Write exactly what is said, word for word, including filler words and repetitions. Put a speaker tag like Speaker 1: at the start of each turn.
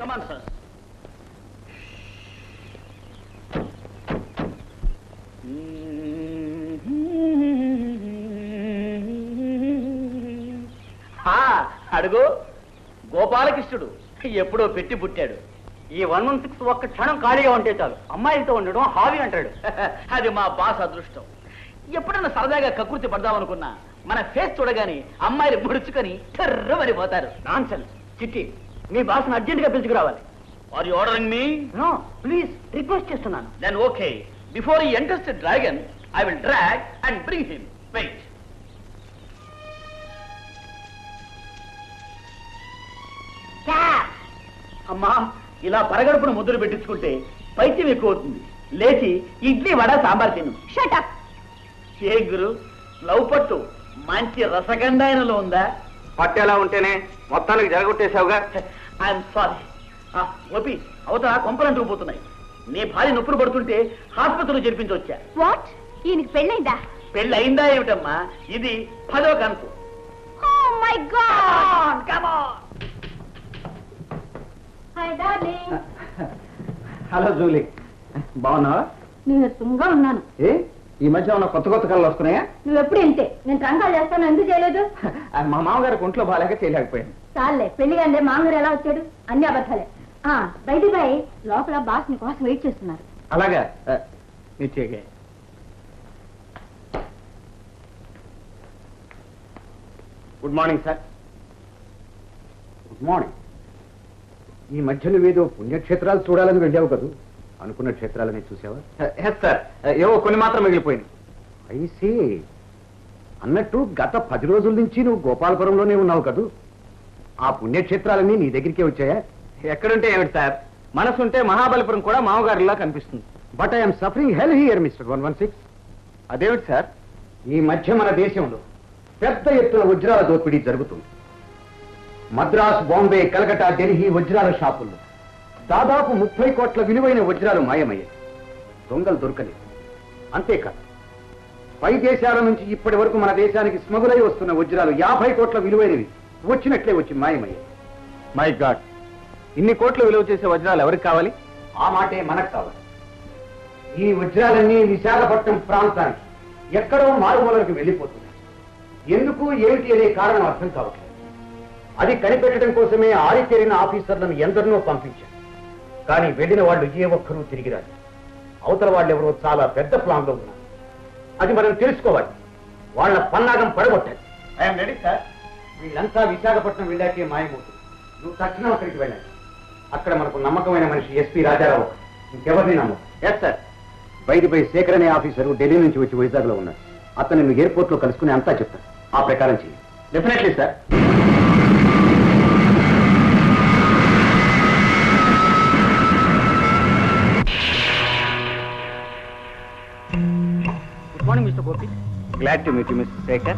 Speaker 1: Come on sir. అడుగు, గోపాలకృష్ణుడు ఎప్పుడో పెట్టి పుట్టాడు. ఈ వన్ వన్ సిక్స్ ఒక్క క్షణం ఖాళీగా ఉంటే చాలు అమ్మాయిలతో ఉండడం హాబీ అంటాడు. అది మా బాస్ అదృష్టం. ఎప్పుడన్నా సరదాగా కకృతి పడదామనుకున్నా మన ఫేస్ చూడగానే అమ్మాయిలు ముడుచుకొని కర్రమని పోతారు. నాన్సెన్స్. చిట్టి, మీ బాస్ని అర్జెంట్ గా పిలుచుకురావాలి. Are you ordering me? No, please request చేస్తున్నాను. Then okay, before he enters the dragon I will drag and bring him. Wait. అమ్మా, ఇలా పరగడుపును ముద్దులు పెట్టించుకుంటే పైత్యం ఎక్కువ అవుతుంది. లేచి ఇడ్లీ వడ సాంబార్ తిను. Shut up. ఏ గురు, లవ్ పట్టు మంచి రసగంధాయనలో ఉందా?
Speaker 2: పట్టు ఎలా ఉంటేనే మొత్తానికి జరగొట్టేశావుగా.
Speaker 1: I'm sorry. ఓపి, అవతల కొంపలంటూ పోతున్నాయి. నీ భార్య నొప్పులు పడుతుంటే హాస్పిటల్లో చేర్పించవచ్చా?
Speaker 3: వాట్? ఈయనకి పెళ్ళైందా?
Speaker 1: పెళ్ళి అయిందా ఏమిటమ్మా? ఇది పదో కనుపు.
Speaker 3: Oh my God!
Speaker 1: Come on.
Speaker 3: Hi darling.
Speaker 2: Hello Julie, బాగున్నావా?
Speaker 3: నీరసంగా ఉన్నాను.
Speaker 2: ఏ ఈ మధ్య ఉన్న కొత్త కొత్త కళలు వస్తున్నాయా?
Speaker 3: నువ్వు ఎప్పుడు ఇంతే. నేను ట్రంకాలు చేస్తాను, ఎందుకు చేయలేదు?
Speaker 2: మా మామగారికి ఒంట్లో బాగాలేక చేయలేకపోయాను.
Speaker 3: చాలే, పెళ్లి కానీ మామగారు ఎలా వచ్చాడు? అన్ని అబద్ధాలే. బయట బాయ్ లోపల బాస్ నీ కోసం వెయిట్ చేస్తున్నారు.
Speaker 2: అలాగా, నిశ్చయగా. Good morning sir. Good morning. ఈ మధ్య నువ్వేదో పుణ్యక్షేత్రాలు చూడాలని వెళ్ళావు కదూ, అనుకున్న క్షేత్రాలని చూసావా? ఎస్ సార్, ఏవో కొన్ని మాత్రం మిగిలిపోయింది. ఐసీ. అన్నట్టు గత పది రోజుల నుంచి నువ్వు గోపాలపురంలోనే ఉన్నావు కదూ, ఆ పుణ్యక్షేత్రాలన్నీ నీ దగ్గరికే వచ్చాయా? ఎక్కడుంటే ఏమిటి సార్, మనసుంటే మహాబలిపురం కూడా మామగారిలా కనిపిస్తుంది. But I'm suffering hell here mister one one six. అదేమిటి సార్? ఈ మధ్య మన దేశంలో పెద్ద ఎత్తున వజ్రాల దోపిడీ జరుగుతుంది. మద్రాస్, బాంబే, కలకటా, ఢిల్లీ వజ్రాల షాపుల్లో దాదాపు ముప్పై కోట్ల విలువైన వజ్రాలు మాయమయ్యాయి. దొంగలు దొరకలేదు. అంతేకాదు, పై దేశాల నుంచి ఇప్పటి వరకు మన దేశానికి స్మగులై వస్తున్న వజ్రాలు యాభై కోట్ల విలువైనవి వచ్చినట్లే వచ్చి మాయమయ్యాయి. మై గాడ్, ఇన్ని కోట్ల విలువ చేసే వజ్రాలు ఎవరికి కావాలి? ఆ మాటే మనకు కావాలి. ఈ వజ్రాలన్నీ విశాఖపట్నం ప్రాంతానికి ఎక్కడో మారుమూలకు వెళ్ళిపోతున్నాయి. ఎందుకు ఏమిటి అనే కారణం అర్థం కావట్లేదు. అది కనిపెట్టడం కోసమే ఆరితేరిన ఆఫీసర్లను ఎందరినో పంపించారు. కానీ వెళ్ళిన వాళ్ళు ఏ ఒక్కరూ తిరిగి రాదు. అవతల వాళ్ళు ఎవరో చాలా పెద్ద ప్లాన్ లో ఉన్నారు. అది మనం తెలుసుకోవాలి. వాళ్ళ పన్నాగం పడగొట్టాలి. I'm ready sir. వీళ్ళంతా విశాఖపట్నం వెళ్ళాకే మాయమవుతుంది. నువ్వు తక్షణం అక్కడికి వెళ్ళాలి. అక్కడ మనకు నమ్మకమైన మనిషి ఎస్పీ రాజారావు, ఇంకెవరిని నమ్మకం. Yes sir. బయట పై శేఖర్ అనే ఆఫీసరు ఢిల్లీ నుంచి వచ్చి వైజాగ్ లో ఉన్నారు. అతను నువ్వు ఎయిర్పోర్ట్ లో కలుసుకుని అంతా చెప్తాను. ఆ ప్రకారం చేయి. Definitely sir.
Speaker 1: Good morning mister Gopi.
Speaker 2: Glad to meet you mister Shekhar.